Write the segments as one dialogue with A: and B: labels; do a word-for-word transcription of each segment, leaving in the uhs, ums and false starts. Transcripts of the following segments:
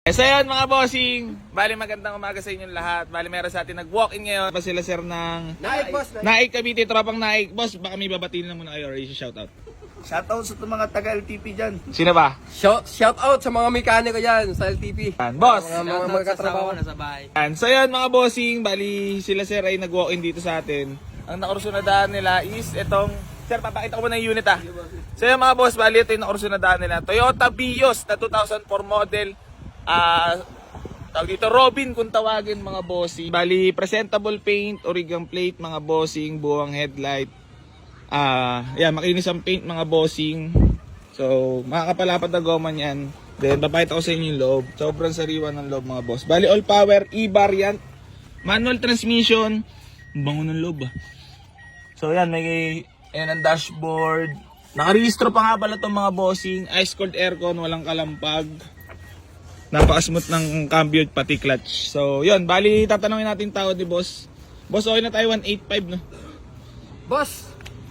A: So yun mga bossing, bali magandang umaga sa inyong lahat. Bali meron sa atin nag-walk-in ngayon. Pa sila sir ng
B: Naik, boss.
A: Naik Cavite, tropang Naik. Boss, baka may babatiin na muna kayo or i-shoutout.
B: Shoutout sa mga taga-L T P dyan.
A: Sino ba?
C: Shout, shout out sa mga mekaniko dyan sa L T P.
A: Yan, boss!
C: Mga, mga, mga katrabaho na sa bahay.
A: Yan. So yun mga bossing, bali sila sir ay nag-walk-in dito sa atin. Ang nakursunadaan nila is itong, sir papakita ko muna yung unit ah. So yun mga boss, bali ito yung nakursunadaan nila. Toyota Vios na two thousand four model. Ah... Uh, Tawag dito, Robin kung tawagin mga bossing. Bali, presentable paint, origang plate mga bossing, buwang headlight. Ah, uh, yeah, makinis ang paint mga bossing. So, makakapalapat na goma niyan. Then, papakita ko sa inyo yung loob. Sobrang sariwa ng loob mga boss. Bali, all power, E-variant, manual transmission. Bango ng loob ah. So, yan, may, ayan ang dashboard. Nakarehistro pa nga pala itong mga bossing. Ice cold aircon, walang kalampag. Napaka-smooth ng cambio pati clutch. So, yun. Bali, tatanungin natin tao ni boss. Boss, okay na tayo one eighty-five, no?
C: Boss!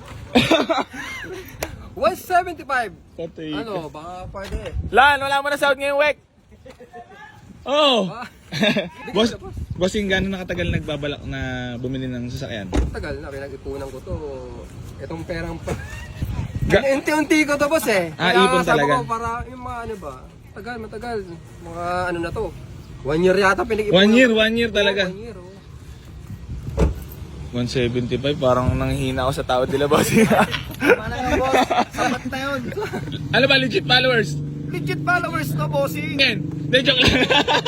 C: one seventy-five!
A: Patay
C: Ano, baka pwede eh.
A: Lan, wala mo na sound ngayong week. Oh!
C: Ah.
A: boss, bossing, gano'n nakatagal nagbabalak na bumili ng sasakyan?
C: Tagal na, pinag-ipunan ko to. Itong perang pa.
A: Ga-
C: Unti-unti ko to, boss eh.
A: Ah,
C: Kaya
A: ipon
C: sabi
A: talaga.
C: ko, para yung mga ano ba, tagal, matagal. Mga ano na to. One year yata pinag-ipunan.
A: One year,
C: ko.
A: one year talaga.
C: Oo, one year, oh.
A: one seventy-five, parang nanghihina ako sa tao nila, bossing.
B: Mana nga, boss? Sapat na yun.
A: Ano ba, legit followers?
B: Legit followers na, bossing.
A: Ngayon, de joke lang.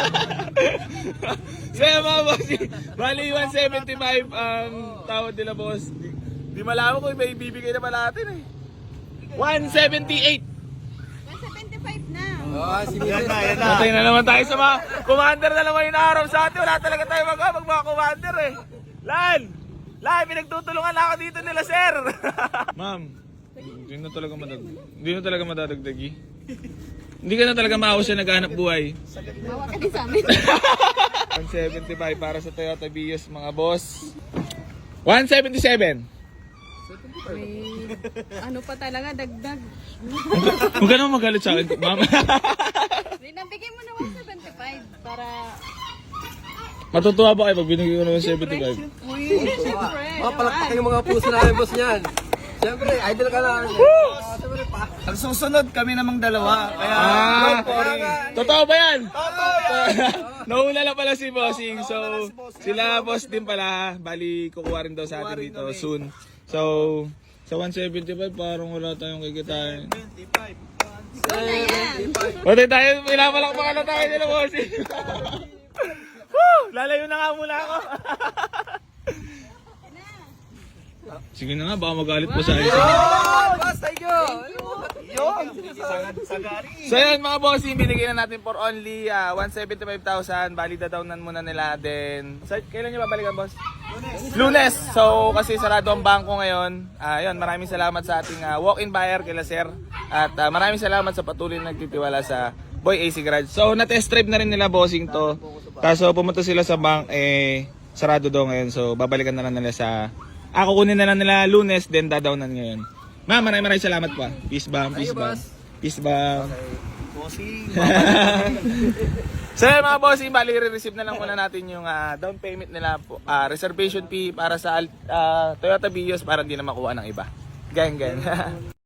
A: Saya mga bossing, bali one seventy-five ang tawad nila boss. Di, di malaman ko may ibibigay na pala natin eh. one seventy-eight.
D: one seventy-five na.
C: Ah, si
B: Yan
C: Mister
B: na, yan na.
A: Patay na naman tayo sa mga commander na naman yung araw sa atin. Wala talaga tayo mag mag mga commander eh. Lan! Lan, pinagtutulungan na ako dito nila sir. Ma'am, hindi na talaga madag hindi na talaga madadagdagi. Hindi ka na talaga maawas siya naghahanap buhay.
D: Bawa ka din sa amin.
A: one seventy-five para sa Toyota Vios mga boss. one seventy-seven.
D: May, ano pa talaga, dagdag.
A: Huwag ka naman magalit sa akin, ma'am.
D: May nabigay mo na one seventy-five para...
A: Matutuwa ba kayo pag binigay ko ng one seventy-five?
D: Uy, siyempre.
C: Mga palakpak yung mga puso namin, boss niyan. Siyempre, idol ka lang. Ah, siyempre pa.
B: Ang susunod, kami namang dalawa. Kaya,
A: Ah,
B: don't worry.
A: totoo ba yan?
B: Totoo yan.
A: Nauna lang pala si Bossing. So, sila boss din pala. Bali, kukuha rin daw sa atin dito soon. So, sa one seventy-five, parang wala tayong kikitain.
D: Ikaw na yan.
A: Pati tayo, pinapalakpakan na tayo nila, Bossing. Woo! Lalayo na nga muna ako. Sige na nga, baka magalit po sa akin.
C: Oh, boss, thank you.
B: Yun. Sagari.
A: So yun mga bossing, binigyan na natin for only uh, one seventy-five thousand. Bali dadownan muna nila din. So, kailan nyo babalikan boss? Lunes. Lunes. So kasi sarado ang bangko ngayon. Uh, yun, maraming salamat sa ating uh, walk-in buyer kila sir. At uh, maraming salamat sa patuloy na nagtitiwala sa Boy A C Garage. So na-test drive na rin nila bossing to. Kaso pumunta sila sa bank, eh sarado daw ngayon. So babalikan na lang nila sa... Ah, kukunin na lang nila Lunes, then dadownan ngayon. Ma'am, maraming maraming salamat po. Peace bomb, peace bomb. Peace bomb.
B: Bossing.
A: So yun mga bossing, bali re-receive na lang muna natin yung uh, down payment nila po. Uh, reservation fee para sa uh, Toyota Vios para hindi na makuha ng iba. Gang, gang.